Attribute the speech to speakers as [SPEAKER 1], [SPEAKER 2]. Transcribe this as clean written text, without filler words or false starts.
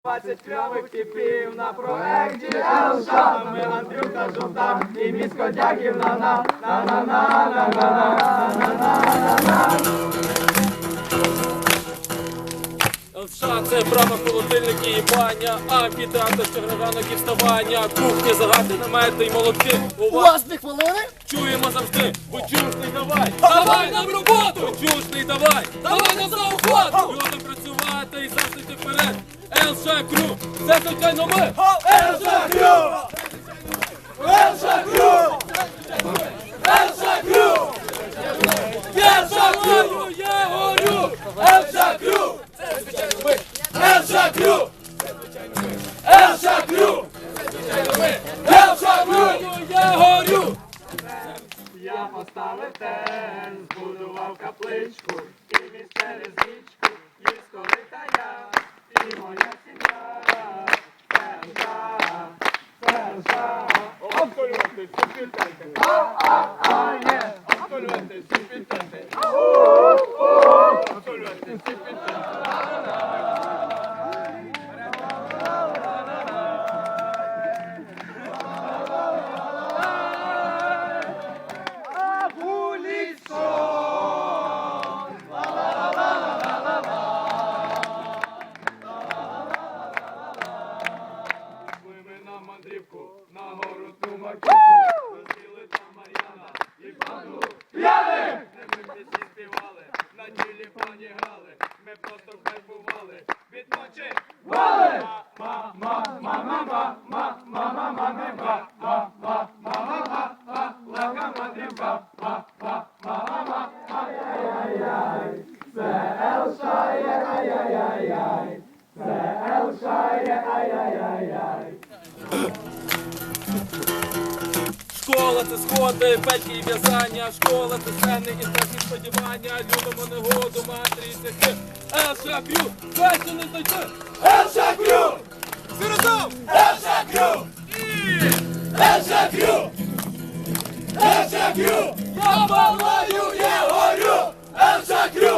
[SPEAKER 1] 20 кльових типів на проекті Елша. Ми Андрюха Жовта і місько дяків на
[SPEAKER 2] Елша – це брама, холодильники і баня, амфітеатр, щогранок і вставання, кухні, загади, намети й молотки.
[SPEAKER 3] У вас 2 хвилини?
[SPEAKER 2] Чуємо завжди, Бучушний давай, давай нам роботу! Бучушний давай, давай нам за охоту! Людям працювати і завжди йти вперед. Елша Крю, це звичайно ми!
[SPEAKER 1] Елша Крю! Елша Крю! Елша Крю! Елша Крю!
[SPEAKER 2] Я горю!
[SPEAKER 1] Елша Крю! Елша Крю! Елша Крю! Елша Крю!
[SPEAKER 2] Я горю!
[SPEAKER 1] Я поставив тен, збудував капличку, і міст через річку, їсть корита я, і моя сім'я. Перша, перша. Обколювати, супітати. Є. Обколювати, супітати. Обколювати, супітати. На гору ту маківку, розділи там Мар'яна і банду п'яних! Ми пісні співали, на ділі пані грали, ми просто кайфували, від ночі вали! Легка мандрівка, ай-яй-яй, це Елша є, ай-яй-яй, це Елша є, ай-яй-яй.
[SPEAKER 2] Школа – це сходи, пельки і в'язання, школа – це сцени і страшні сподівання, любимо негоду, матері і цехи. Елша Крю, краще не знайти!
[SPEAKER 1] Елша Крю!
[SPEAKER 2] Всі разом!
[SPEAKER 1] Елша Крю! Елша Крю! Елша Крю!
[SPEAKER 2] Я палаю,
[SPEAKER 1] Я горю! Елша Крю!